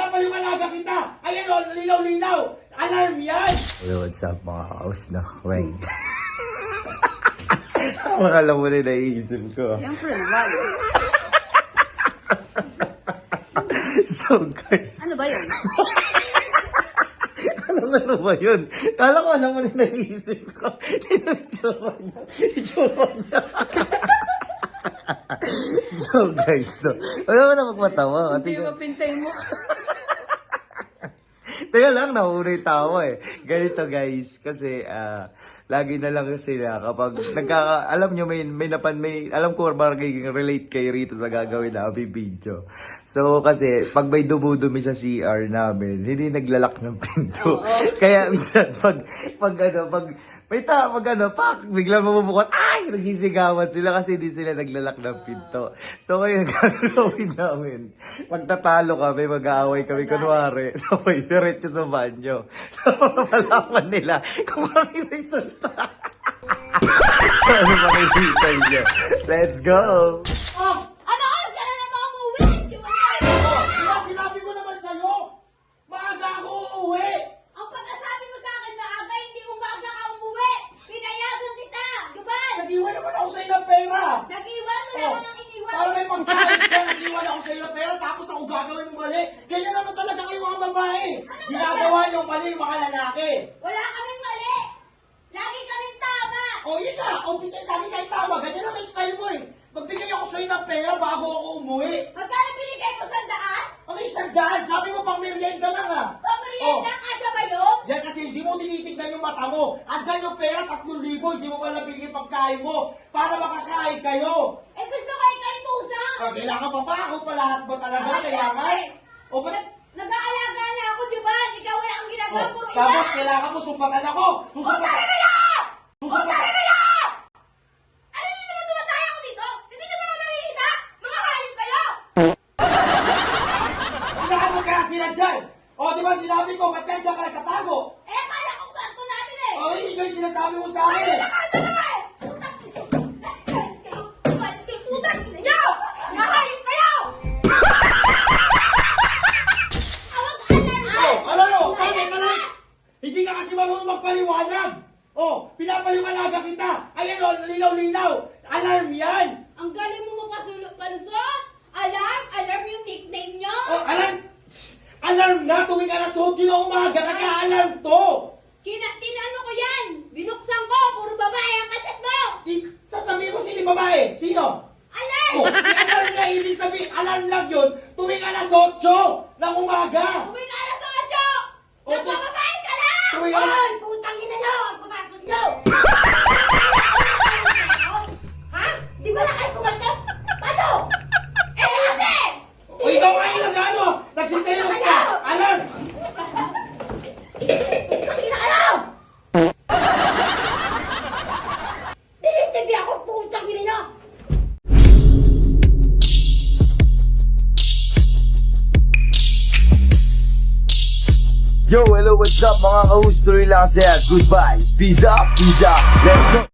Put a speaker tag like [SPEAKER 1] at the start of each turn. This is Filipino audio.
[SPEAKER 1] pinapaliwanagan kita. Ayan o, linaw-linaw. Alarm yan.
[SPEAKER 2] Yo, what's up mga kaos na? Weng. Makala mo na naiisip ko.
[SPEAKER 3] Siyempre naman.
[SPEAKER 2] So guys.
[SPEAKER 3] Ano ba yun?
[SPEAKER 2] Ano ba yun? Kala ko alam mo na naiisip ko. Itsura niya. So guys, no. Wala mo na magmatawa.
[SPEAKER 3] Hindi mo pintay mo.
[SPEAKER 2] Teka lang, nahuna yung tawa eh. Ganito guys, kasi lagi na lang sila kapag alam nyo may alam ko magiging relate kayo rito sa gagawin namin video. So kasi pag may dumudumi sa CR namin, hindi naglalak ng pinto. Kaya minsan biglang mabubukas, ay! Nagsisigawan sila kasi hindi sila naglalak ng pinto. So ngayon, gagawin namin. Pagtatalo kami, mag-aaway kami, kunwari, sabay diretso sa banyo. So malaman nila kung kami resulta. So ano makikita nyo? Let's go!
[SPEAKER 1] Oh,
[SPEAKER 3] Ano oras ka na naman umuwi?
[SPEAKER 1] diba sinabi ko naman sa'yo? Maaga ako uuwi.
[SPEAKER 3] Ang pagkasabi mo sa akin maaga, hindi umaga ka umuwi. Pinayagan kita. Gabal!
[SPEAKER 1] Nag-iwan naman ako sa ilang pera.
[SPEAKER 3] Nag-iwan mo lang ang iniwan.
[SPEAKER 1] Para may pagkain ka, nag-iwan ako sa ilang pera, tapos ako gagawin mo mali. Ganyan naman talaga kayo mga babae. Ginagawa niyo mali mga lalaki.
[SPEAKER 3] Wala kaming mali. Lagi kaming tama.
[SPEAKER 1] O yun nga, o bigay lagi kayo tama. Ganyan naman yung style mo eh. Magbigay ako sa'yo ng pera bago ako umuwi.
[SPEAKER 3] Magkano binigay mo sa daan?
[SPEAKER 1] Ano yung sandaan? Sabi mo pang merienda lang ah.
[SPEAKER 3] Pamerienda ka siya ba yun?
[SPEAKER 1] Yan kasi hindi mo tinitignan yung mata mo. Andyan yung pera, 3,000, hindi mo wala binigay pagkain mo. Para makakain kayo.
[SPEAKER 3] Eh gusto ko ikaw itusang.
[SPEAKER 1] Kailangan pa ba? Ako pa lahat ba talaga? Kailangan? O ba't?
[SPEAKER 3] Nag-aalaga na ako, di ba? Ikaw wala kang ginagawa,
[SPEAKER 1] Oh,
[SPEAKER 3] puro
[SPEAKER 1] tapos
[SPEAKER 3] iba.
[SPEAKER 1] kailangan mo sumpatan ako.
[SPEAKER 3] Puta ka na yan! Puta ka na yan! Alam niyo naman tumatay ako dito? Hindi niyo ba ako nakikita? Mga hayop kayo!
[SPEAKER 1] Inaabot ka na sila dyan. O, di ba sinabi ko, ba't dyan ka nagtatago?
[SPEAKER 3] Eh, kaya kong kwarto natin eh!
[SPEAKER 1] O, hindi ko yung sinasabi mo sa akin
[SPEAKER 3] Ano
[SPEAKER 1] eh.
[SPEAKER 3] na kwarto naman? Puta kayo! Umalis kayo, puta niyo! Mga hayop kayo! Awag alarm!
[SPEAKER 1] Alam mo, bakit? Hindi ka kasi marunong magpaliwanag. O, pinapaliwanagan kita. Ayan o, linaw-linaw. Alarm yan.
[SPEAKER 3] Ang galing mo palusot! Alarm yung nickname nyo!
[SPEAKER 1] O, alarm na. Tuwing alas 8 na umaga, nag-a-alarm to.
[SPEAKER 3] Tinano ko yan! Binuksan ko! Puro babae ang kaset mo!
[SPEAKER 1] Sasabihin mo sino yung babae? Sino?
[SPEAKER 3] Alarm!
[SPEAKER 1] O, alarm na ibig sabihin. Alarm lang yun. Tuwing alas 8 ng umaga.
[SPEAKER 3] Uwing alas 8!
[SPEAKER 1] O,
[SPEAKER 3] Nagpapabae ka na!
[SPEAKER 1] tuwing alas...
[SPEAKER 3] Ay! Putang ina nyo! Ang pumasok nyo! Ha? Di ba na kayo kumalta? Paano? Eh kasi!
[SPEAKER 1] O, ikaw ngayon lang ano? Nagsiselos ka. Alarm!
[SPEAKER 3] Putang ina kayo! Tinitibi ako putang ina nyo!
[SPEAKER 2] Yo, hello, what's up mga ka-host? Tuloy lang saya. Goodbye. Peace up. Let's go.